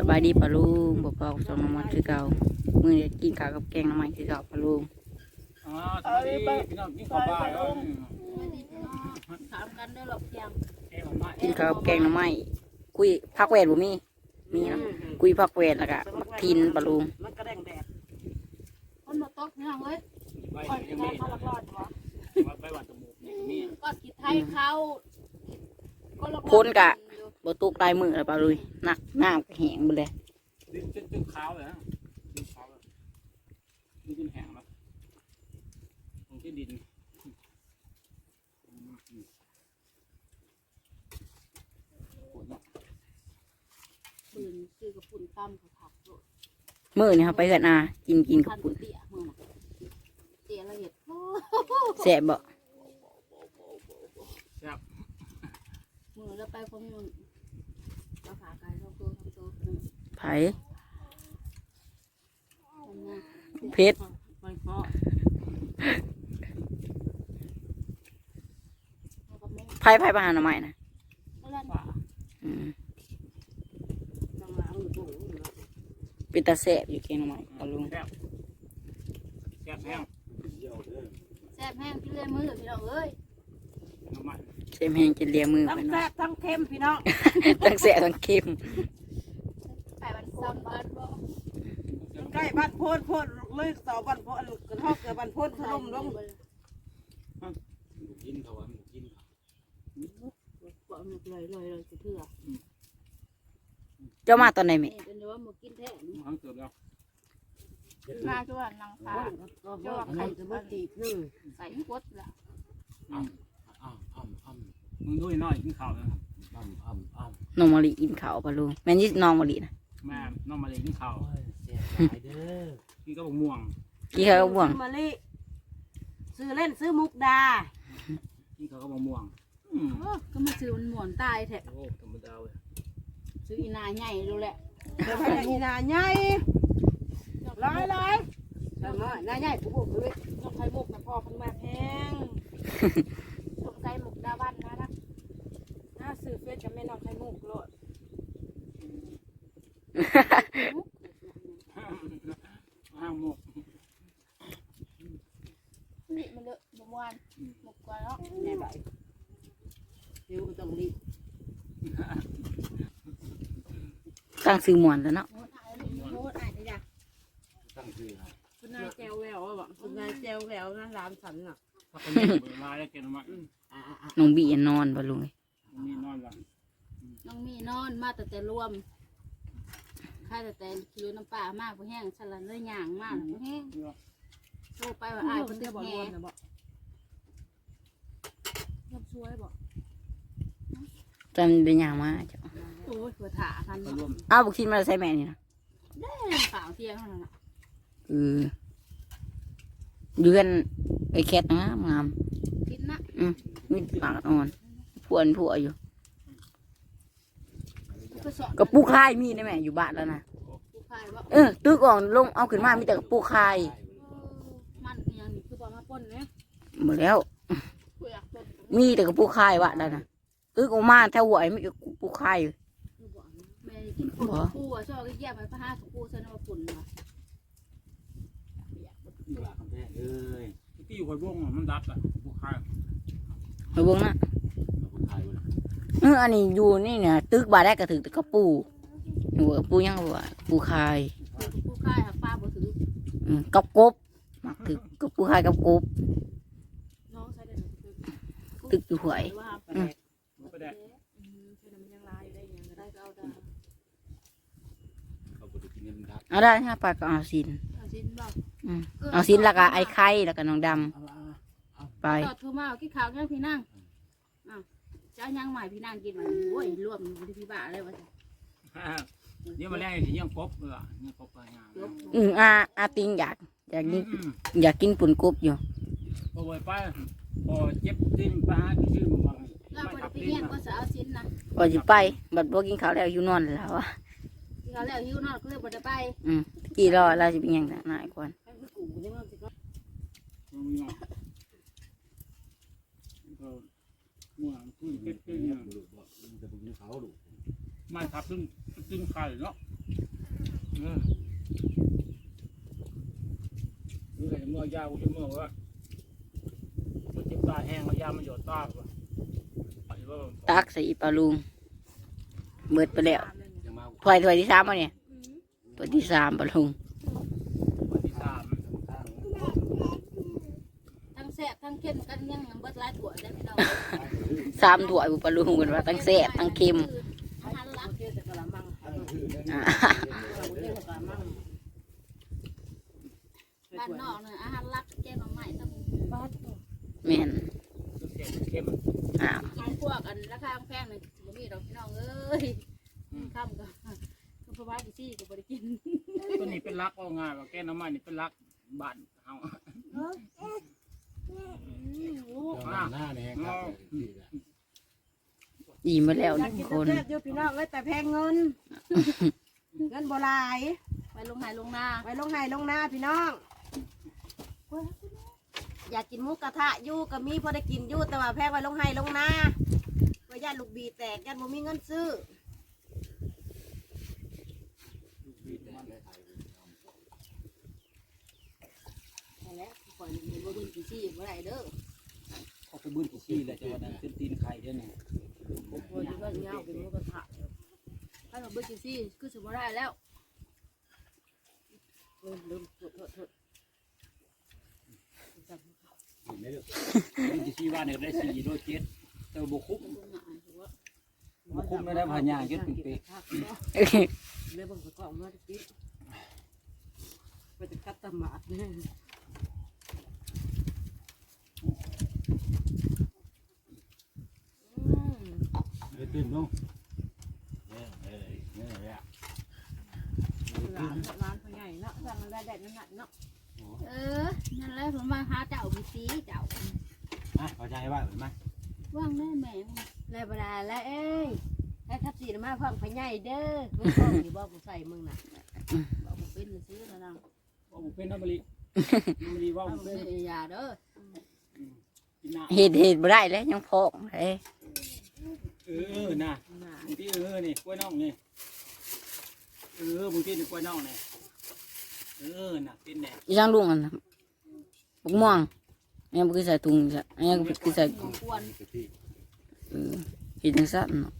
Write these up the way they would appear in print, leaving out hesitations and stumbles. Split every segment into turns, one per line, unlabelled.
บายดีปะลุงบอกเปล่าสองน้ำมันคือเก่ามื้อนี้กินข้าวกับแกงน้ำมันคือเก่าปะลุง
อ๋อสวัสดีพี่น้องกินข้าวบ้านแล้ว
ถามกันด้วยหรอกยัง
กินข้าวกับแกงน้ำมันคุยผักแหวนบ่มีนะคุยผักแหวนแล้วก็มักทินปะลุง
มันกระแดงแดด
คนมาตกเนี่ยเว้ย
ไป
ก่อน
ยั
จะ
ง
ได้
มี
เขาละรอดวะ
ไปวัดจมูกนี่
ก่อนกินไทยเขา
คนกะบ่ตกตายมือแล้วปะลุยนักน้ำก็แห้งหมดเลย
ดินจนขาวเลยนะดินขาวเลยดินจนแห้งแล้วตรงที่ดิน
ปืนซื้อกับปุ่นตั้มเขาผักโลด
มื้อนี้ครับไปกันกินกับ
คัน
ปุ่น
เตี้ยมือน่ะเตี้ยละเอียด
แซ่บบ่
แซ่บ
มือแล้วไปคนนึงเราขาไก่เราตัวทำตัวนึง
ไผ เพชร
ไปเพาะ
ไผประหารหน่อไม้นะ
แล้วนั่น
ป่า
อืม
น้ำล้างอยู่ตรงนี้นะ
เป็นตาแซ่บอยู่แกงน้ำมันปะลุง
แซ่บแซ่บแห้ง
แซ่บแห้งกินเลยมือพี่น้องเอ้ย
น้ำมัน
เค็มแห้งจะเลียมือ
ทั้
ไป
ง
เนาะ
แซ่บทั้งเค็มพี่น้อง
ทั้งแซ่บทั้งเค็ม
ไปวันซ้ำบ้านบ่
ใกล้บ้านโพนโพนเลยต่อบ้านโพนกระทอกเกิดบ้านโพนถล่มลง
กินเขาว่ากิน
บอกหนุกเลยจะเถื่อ
เจ้ามาตอนไหนแม่
เป็นว่าหมูกินแท้
มันเกิดแล้ว
มาช่วยนางฟ้า
ก็ว่าใครจะมาตีนึง
ใส่กดละ
มึงด้วยน้อยกินข้าวเลย
น้องมะลิกินข้าวปะลุงแม่นยี่น้องมะลินะ
แม่น้องมาเลยกินข้าวกินก็บม่วง
กี่เขาก็บ่วง
ซื้อมะลิซื้อเล่นซื้อมุกดา
กินข้าวก็บม่วง
ก็มาซื้อมันหมวนตายแท้
โอ้ธรรมดาเลย
ซื้ออีนาใหญ่ดูแหละ
เดี๋ยวไปอีนาใหญ่ร้อยแต่น้อยนาใหญ่ปุ๊บเลย
น้องไข่มุกนะพ่อเพิ่งมาแพงสงสัยหมกดาวันนะ
น่าซื้อเฟซกับแม่น้องไข่มุกโลด
ห้างหมก
นี่มันเลอะบวานหมกกว่าเนาะ
แม่ใบเดี๋ยวต้องรีบ
ตั้งซื้อหมวนแล้วเนาะ
โหดอ่านได้จ้ะ
คุณนายแจวแหววบอกคุณนายแจวแหววนะร้านฉันน่ะ
ถ้าคนนี้เบื่อลายแล้วแกนมา
น้องบีนอนปะลุง
มีนอนละ
น้องมีนอนมาแต่รวมค่าแต่คิวน้ำปลามากพอแห้งฉลันเลยย่างมากพอแห้งโทรไปว่าอายเพิ่นตึกแห่
ชอบช่วยบอก
จำเป็นอย่างมาจ้ะ
โอ้ยเผื่อถาพัน
ไปร่วม
อ้าวบุกทีมาใส่แม่นี่นะ
ข่าวเที่ยงเท่านั้นน่ะ
เดือนไอ้แคทงาม
กินนะ
มีปากอ่อนผัวอยู่
ก็สอน
กระปุกคายมีได้แม่อยู่บ้านแล้วนะ
ผู้ชายว่า
ตึกอ่อนลงเอาขึ้นมามีแต่กระปุกคาย
มันยังนี่คือบอกมาป้นเนี่ย
หมดแล้ว
กูอยากป้น
มีแต่กระปุกคายว่ะแล้วนะตึกออกมาแถวหัวไอ้มีกระปุกคายอยู่
แม่กินปูปูอ่ะชอบก็แยกไปพระห้าปูฉันเอาปุ่นมา
ที่อยู่คอยบ่งมันดับอ่ะผู้ค้า
ไปเบิ่งนะอันนี้อยู่นี่เนี่ยตึกบาได้กระถึกแต่กระปูหัวปูยังหัวปูคาย
ปูค่ายหาป้าบ่ถือ
กับกบมักถึกกับปูคายกับกบ
น้องใช้ได้
ตึกอยู่หวย
ว่า
มันก็ได้
ใช้มันยังลายได้ยังได้ก็เอาได้
เอาได้ฮะปลาก็เอาสิน
เอาชิ้นบอก
เอาสินแล้วก็ไอ้ไข่แล้วก็น้องดำไป
ต่อทูมากินข้าวยังพี่นั่งจะยังใหม่พี่นั่งกินมันโอ้ยรวมที่พี่บ้าเลยวะจ้ะ
เดี๋ยวมาแรกสิยังกบเลยยังกบไปงาน
อาติงอยากกินปุ่นกบอยู่
พอไปไปพอเจ็บดิ้นปลาที่ชื่อมัน
เราไปที่เงี้ยก็จะเอาชิ้นนะ
ก็จะไปบัดบ่กินข้าวแล้วอยู่นอนแล้วอ่ะ
ที่เขาแล้วหิวนอนก็เลยบ่ได้ไป
กี่รอเราจะเป็นยังไงนายก่อน
กูนี่มันสิก็
ม่วงขึ้นเป็ดขึ้นไม่ทับตึ้งไข่เนาะดูแต่เมื่อยากูจะเมื่อว่ามันเจ็บตาแห้งแล้วยามันหยดตาป่ะ
ตักใส่อีปลาลุงเบิดไปแล้ว
ยังมา
ถ้วยที่3ป่ะเนี่ยถ้วยที่3ปลาลุง
วันที่3
ทั้งแซ่บทั้งเค็มกันยังเบิดหลายถั่วได้พี่น้อง
3ถ้วยปลาลุงกันว่าทั้งแซ่บทั้งเค็ม
อาหารหลัก
เทศกะละมัง
อ่า
เทศกะละมัง
บ้านนอกเนี่ยอาหารหลักแกงหน่อไม้ต้อง
บ้าน
แม่น
เข้ม
อ้าว
กินพวกอันราคาแพงเลยบ่มีดอกพี่น้องเอ้ยค่ำก็เพราะว่าดิซี่ก็บ่ได้กิน
ตัวนี้เป็นรักเอาง่ายว่าแกน้ำมันนี่เป็นรักบ้านเฮา
หน้าเนี่ยครับ
อิ่มมาแล้ว
อยาก
ทุ
กิ
ก
น
คน
แซ่บๆอยู่พี่น้องเอ้ยแต่แพงเงินเงินบ่หลาย
ไปลงไหนลงนา
ไว้ลงไห้ลงนาพี่น้อง อยากกินหมูกระทะอยู่ก็มีพอได้กินอยู่แต่ว่าแพงไว้ลงไห้ลงนาไว้ญาติลูกบีแตกญาติบ่มีเงินซื้อ
นั่นแหละก่อนมีบ่เบิ่งดิซี่บ่ได้เด้อ
เขาไปบื้นขี้แหละจังหวะนั้นขึ้นตีนไข่เด้อนี่
โอ้ยก็เงาเป็นหมูกระทะ
ถ้าเราเบิ่งดิซี่คือสิบ่ได้แล้ว
ลืมโทษ
เป็นขี้ว่าเนี่ยได้4โล7แต่บ่คุ้ม
บ่ง่ายถือว่า
บ่คุ้มไม่ได้พญาเก็บเป็นปี
เลยบังกล้องมาติดไปจะกัดตะหมาดเนี่ย
ตื่นลง
ร้านเขาใหญ่เนาะสั่งได้นั่นน่ะเนาะ
นั่นแหละผมมาหาเจ้าดิซี่เจ้า
พอใจว่าเห็นไหม
ว่างแน่แม่
แล้วเวลาแล้วเอ้ยให้ทับสีมาพ่องพญายเด้อมึงพ่องนี่บอกกูใส่มึงน่ะ
บอกบ่เป็นซื้อแล้วนะ
ว่าบ่เป็นน้ำมะลิน้ำมะลิว่า
ว่า
บ่
บ่
เป็น
เป็นยาเด้อ
กินน้
เห็ดบ่ได้แล้วยังพอกเอ้ย
น่ะบางทีนี่กล้วยน่องนี่บางทีนี่กล้วยน่องนี่น่ะเป็นแน่
อีช่างลุงอันน่ะบักม่วงอันนี้บ่คือใส่ถุงจ้ะอันนี้ก็คือใส่
ของควร
เห็ดจังซั่นเนาะ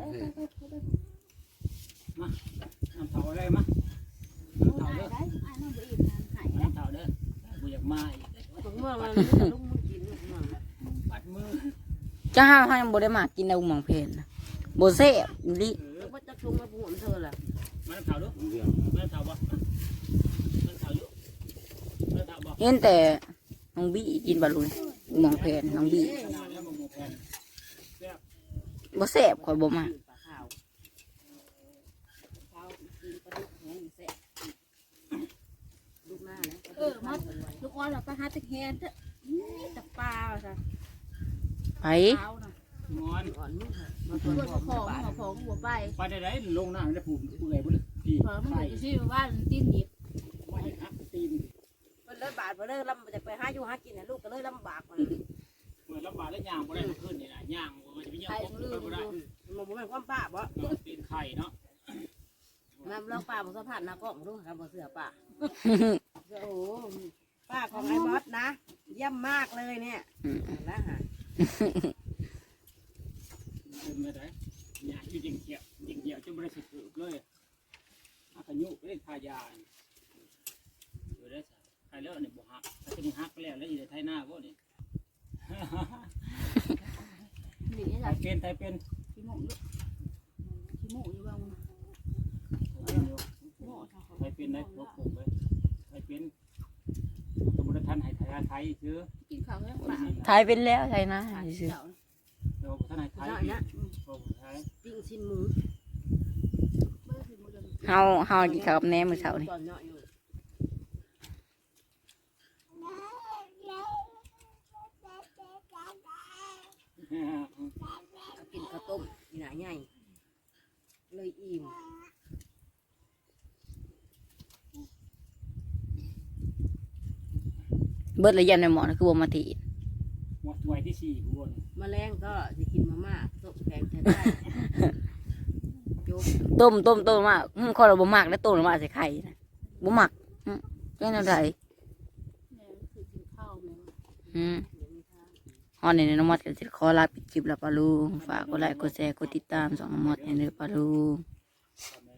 น้ำเถาอะไรมาน้ำเถา
ได้
เด้อ
ได้อ้ายน้องบ่อีกหาย
น้ำเถาเด้อบ่อยากมาอีก
ถุงเมืองมันลุงมึงกินลูกเมือง
ปัดมือ
จ้าเฮายังบ่ได้มากินเอาหม่องเพนนะบ่แซ่บอีหลิ
ว่าจะถุงมาบุญเธอล่ะ
มาน้ำเถาเด้อมาน้ำเถาบ่น้ำเถาอยู่น้ำเถาบ่
เห็นแต่น้องบี้กินบาลุนหม่องเพนน้องบี้
ขนาดนี้มันหมูแผ่น
บ่แซ่บข่อยบ่มา
ปลาขาว
เช้ากินปลาดุกแห้งแซ่บ
ลูกหน้านะ
มาลูกอ่อนเราไปหาตะแคงเด้อตะปลาจ้ะ
ไป
เช้าน่ะ
งอน
อ่อนมึงมา
เพื่อนมาของหัวไป
ไปได้ไรลงน้ำได้ผูกเปื่อยบุญพี่
พอมันอยู่ที่บ้านตีนหยิบ
ไว้ฮักตีน
เพิ่นเลยบาดเพิ่นเลยลำจะไปหาอยู่หากินน่ะลูกก็เลยลำบากมัน
เหมือนลำบากแล้วย่างบ่ได้ขึ้นนี่นะย่างมันจะไปย่างของบ่ได้
มันบ่แม่นความป้าบ่
ตีนไข่เนาะ
น้ำลองป้าบ่สัมผัสหน้ากล้องดูครับบ่เสือป้าโอ้โหป้าของไอ้บอสนะเยี่ยมมากเลยเนี่ยนะฮะ
เป็นไม่ได้ย่างอยู่จริงเกี่ยวจนบ่ได้สิถือเลยอาขยุเล่นทายาอยู่ได้ซะใครแล้วนี่บ่ฮักถ้าจะมีฮักไปแล้วแล้วอยู่ในไทยหน้าบ่นี่
หนี
ไท
จ้ะ
ยเป็น
ขี้หมูอยู่ขี้หมูอยู่บ้างหมูจ้ะ
ไทยเป็นได้พวกผมเลยไทยเป็นสมุทรทันไทยไทยซื้อ
กินข้าวแห้งปลา
ถ่ายเป็นแล้วใช่นะ
เจ้า
เดี๋ยวท่านไทย
เจ้าเนี่ย
พวกไทย
ปิ้งชิ้นหมู
เมื่อคืนมื้อเดิม
เฮากินข้าวกับแหนมมื้อเช้านี่
ตอนเนาะอยู่กินข้าวต้มอีหน่าใหญ่เลยอิ่ม
เบิดระยะในหมอนะคือบ่มาติ
หมดถ้วยที่4บน
แมลงก็จะกินมาม่าต้มแกงใช้ได้
จบ
ต้มมากข้อยเราบ่มักแล้วต้มมาใส่ไข่นะบ่มักแกงแนวใด
แม่คือกินข้าวแม่
ฮอนในน้องมอดก็จะขอลาปิดคลิปแล้วปะลุงฝากกดไลค์กดแชร์กดติดตามสองน้องมอดให้เด้อปะลุง
ทำ